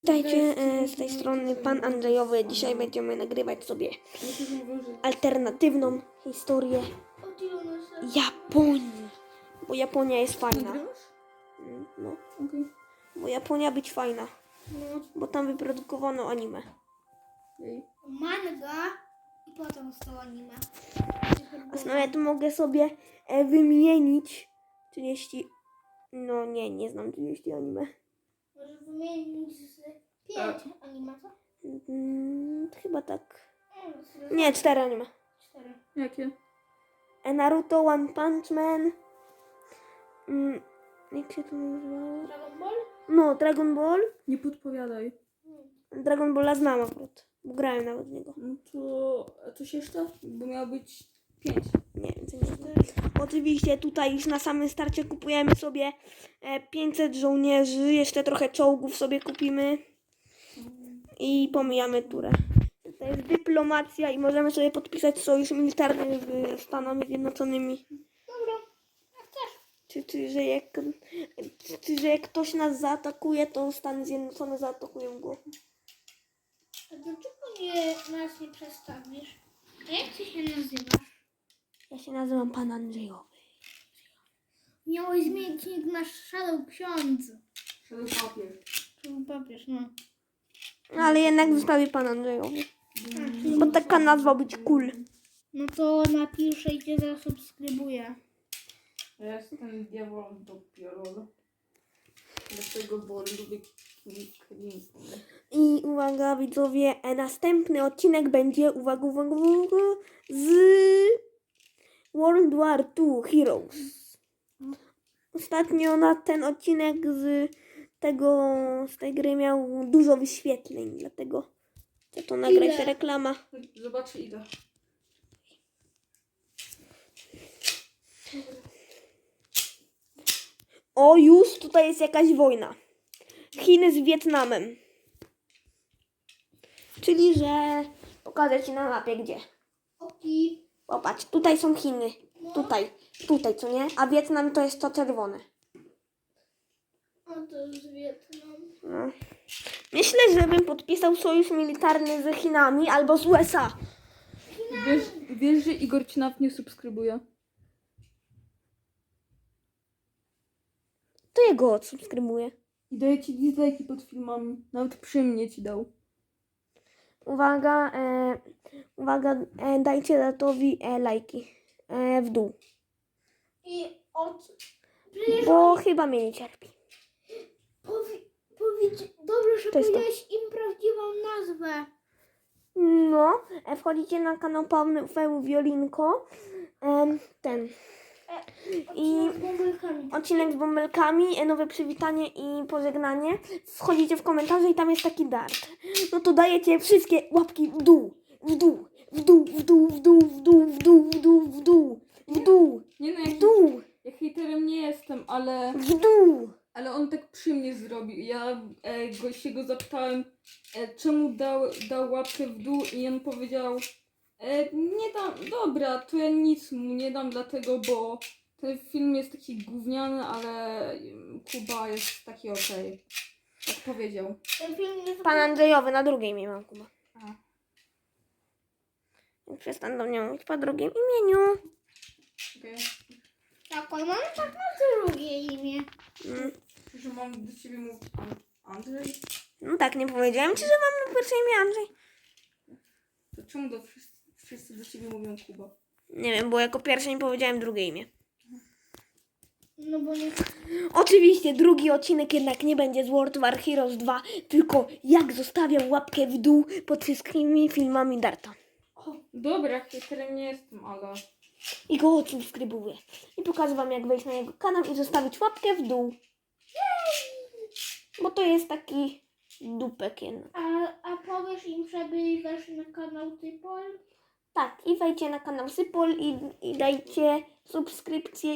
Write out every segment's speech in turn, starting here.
Witajcie z tej strony Pan Andrzejowy. Dzisiaj będziemy nagrywać sobie alternatywną historię Japonii. Bo Japonia jest fajna. No, bo Japonia być fajna. Bo tam wyprodukowano anime. Manga i potem zostało anime. A nawet mogę sobie wymienić 30... No nie znam 30 anime. Może wymienić z 5 anime, co? Chyba tak. Nie, 4 anime. 4. Jakie? Naruto, One Punch Man. Jak się to nazywa? Dragon Ball? No, Dragon Ball. Nie podpowiadaj. Dragon Balla znam akurat. Bo grałem nawet w niego. No to... A coś jeszcze? Bo miało być 5. Nie, więcej nie znam. Oczywiście tutaj już na samym starcie kupujemy sobie 500 żołnierzy. Jeszcze trochę czołgów sobie kupimy. I pomijamy turę. To jest dyplomacja i możemy sobie podpisać sojusz militarny z Stanami Zjednoczonymi. Dobra, jak chcesz. Czy że jak ktoś nas zaatakuje, to Stany Zjednoczone zaatakują go. A dlaczego nas nie przedstawisz? A jak ty się nazywasz? Ja się nazywam Pan Andrzejowy. Miałeś zmienić nick na Shadow Ksiądz. Shadow papier. Shadow papież, no. Ale jednak zostawię Pan Andrzejowy. Bo taka nazwa być cool. No to napiszę i cię zasubskrybuję. Ja jestem diabolem dopiero. Dlatego, bo lubię Clinton. I uwaga widzowie, następny odcinek będzie, uwaga, z World War II Heroes. Ostatnio na ten odcinek z tej gry miał dużo wyświetleń, dlatego chcę to nagrać, Ile? reklama. Zobaczę ile. O, już tutaj jest jakaś wojna. Chiny z Wietnamem. Czyli, że pokażę Ci na mapie gdzie. Oki. Popatrz, tutaj są Chiny. Tutaj, co nie? A Wietnam to jest to czerwone. A to jest Wietnam. No. Myślę, żebym podpisał sojusz militarny z Chinami albo z USA. Wiesz, że Igor ci nawet nie subskrybuje? To jego odsubskrybuję. I daje ci dislike'i pod filmami. Nawet przy mnie ci dał. Uwaga, dajcie Datowi lajki w dół. I Przecież Bo chyba mnie nie cierpi. powiedz, dobrze, że To jest to. powiedziałeś im prawdziwą nazwę. No, wchodzicie na kanał Paweł Wiolinko. I Z bąbelkami. odcinek z bąbelkami, nowe przywitanie i pożegnanie. Wchodzicie w komentarze i tam jest taki dart. No to dajecie wszystkie łapki w dół, w dół, w dół, w dół, w dół, w dół, w dół, w dół, w dół, w dół, Nie no, w dół, ja hejterem nie jestem, ale... w dół. Ale on tak przy mnie zrobił. Ja się go zapytałem, czemu dał łapkę w dół i on powiedział, nie dam, dobra, to ja nic mu nie dam dlatego, bo ten film jest taki gówniany, ale Kuba jest taki okej. Tak powiedział. Ten film jest Pan Andrzejowy, na drugie imię mam Kuba. A. Więc przestań do mnie mówić po drugim imieniu. Okay. tak, on mam tak na drugie imię. Że mam do ciebie mówić Andrzej? No tak, nie powiedziałem ci, że mam na pierwsze imię Andrzej. To czemu wszyscy do ciebie mówią Kuba? Nie wiem, bo jako pierwsze nie powiedziałem drugie imię. No bo nie... Oczywiście drugi odcinek jednak nie będzie z World War Heroes 2, tylko jak zostawiam łapkę w dół pod wszystkimi filmami Darta. Dobra, hejterem nie jestem, ale... I go odsubskrybuję. I pokażę wam jak wejść na jego kanał i zostawić łapkę w dół. Bo to jest taki dupek jednak. A powiesz im, żeby weszli na kanał Typol? Tak, i wejdźcie na kanał Sypol i dajcie subskrypcję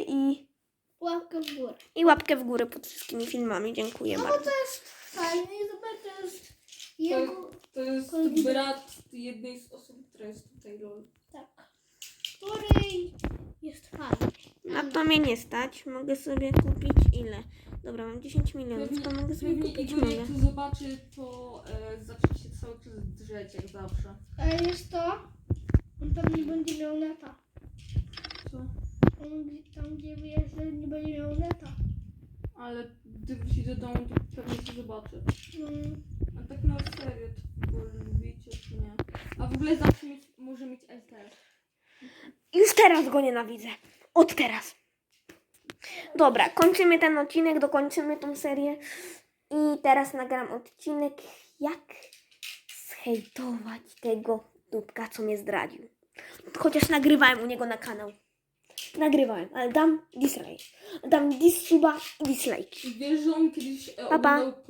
i łapkę w górę pod wszystkimi filmami. Dziękuję No bo bardzo. to jest fajne i zobacz, to jest jego... To jest brat jednej z osób, która jest tutaj, lol. Tak. Który jest fajny. Na to mnie nie stać. Mogę sobie kupić ile? Dobra, mam 10 milionów, to mogę sobie Pewnie kupić Igor nową. jak to zobaczy, to zacznie się cały czas drzeć jak zawsze. Ale jest to, on tam nie będzie miał neta. Co? On tam, gdzie wyjeżdża, nie będzie miał neta. Ale gdy wróci do domu, to pewnie to zobaczy. Mm. A tak na serio, to go lubicie czy nie? A w ogóle zawsze może mieć LTE. Już teraz go nienawidzę. Od teraz. Dobra, kończymy ten odcinek, dokończymy tą serię. I teraz nagram odcinek, jak zhejtować tego dupka, co mnie zdradził. Chociaż nagrywałem u niego na kanał. Nagrywałem, ale dam dislike. Dam dissuba i dislike. Wiesz, że on kiedyś Pa, pa. oglądał